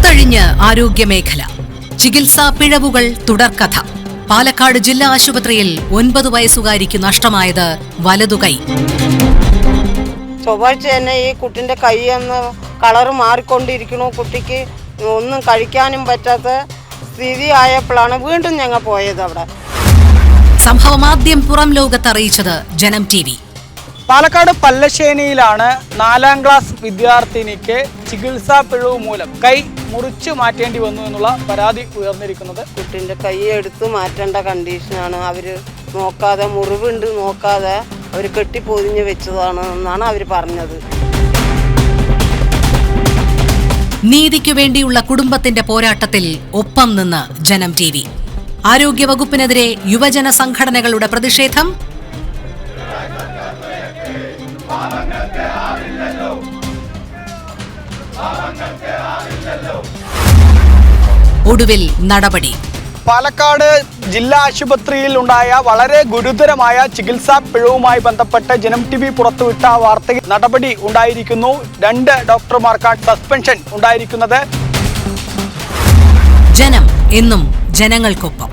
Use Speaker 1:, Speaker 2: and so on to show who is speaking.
Speaker 1: കുത്തഴിഞ്ഞ് ആരോഗ്യമേഖല. ചികിത്സാ പിഴവുകൾ തുടർക്കഥ. പാലക്കാട് ജില്ലാ ആശുപത്രിയിൽ 9 വയസ്സുകാരിക്ക് നഷ്ടമായത് വലതുകൈ.
Speaker 2: ചൊവ്വാഴ്ച തന്നെ ഈ കുട്ടിൻ്റെ കൈ എന്ന് കളറ് മാറിക്കൊണ്ടിരിക്കണു. കുട്ടിക്ക് ഒന്നും കഴിക്കാനും പറ്റാത്ത സ്ഥിതി ആയപ്പോഴാണ് വീണ്ടും ഞങ്ങൾ പോയത് അവിടെ.
Speaker 1: സംഭവം ആദ്യം പുറം ലോകത്ത് അറിയിച്ചത് ജനം TV.
Speaker 3: പാലക്കാട് പല്ലശ്ശേനിയിലാണ് 4ാം ക്ലാസ് വിദ്യാർത്ഥിനിക്ക് ചികിത്സാ പിഴവ് മൂലം കൈ മുറിച്ചു മാറ്റേണ്ടി വന്നു എന്നുള്ള പരാതി ഉയർന്നിരിക്കുന്നത്.
Speaker 2: കുട്ടിൻ്റെ കൈ എടുത്ത് മാറ്റേണ്ട കണ്ടീഷനാണ്. അവർ നോക്കാതെ, മുറിവുണ്ട് നോക്കാതെ അവർ കെട്ടിപ്പൊതിഞ്ഞ് വെച്ചതാണ് എന്നാണ് അവർ പറഞ്ഞത്.
Speaker 1: നീതിക്കു വേണ്ടിയുള്ള കുടുംബത്തിന്റെ പോരാട്ടത്തിൽ ഒപ്പം നിന്ന് ജനം TV. ആരോഗ്യവകുപ്പിനെതിരെ യുവജന സംഘടനകളുടെ പ്രതിഷേധം. ഒടുവിൽ നടപടി.
Speaker 3: പാലക്കാട് ജില്ലാ ആശുപത്രിയിൽ ഉണ്ടായ വളരെ ഗുരുതരമായ ചികിത്സാ പിഴവുമായി ബന്ധപ്പെട്ട് ജനം TV പുറത്തുവിട്ട വാർത്തയിൽ നടപടി ഉണ്ടായിരിക്കുന്നു. 2 ഡോക്ടർമാർക്കാണ് സസ്പെൻഷൻ ഉണ്ടായിരിക്കുന്നത്.
Speaker 1: ജനം എന്നും ജനങ്ങൾക്കൊപ്പം.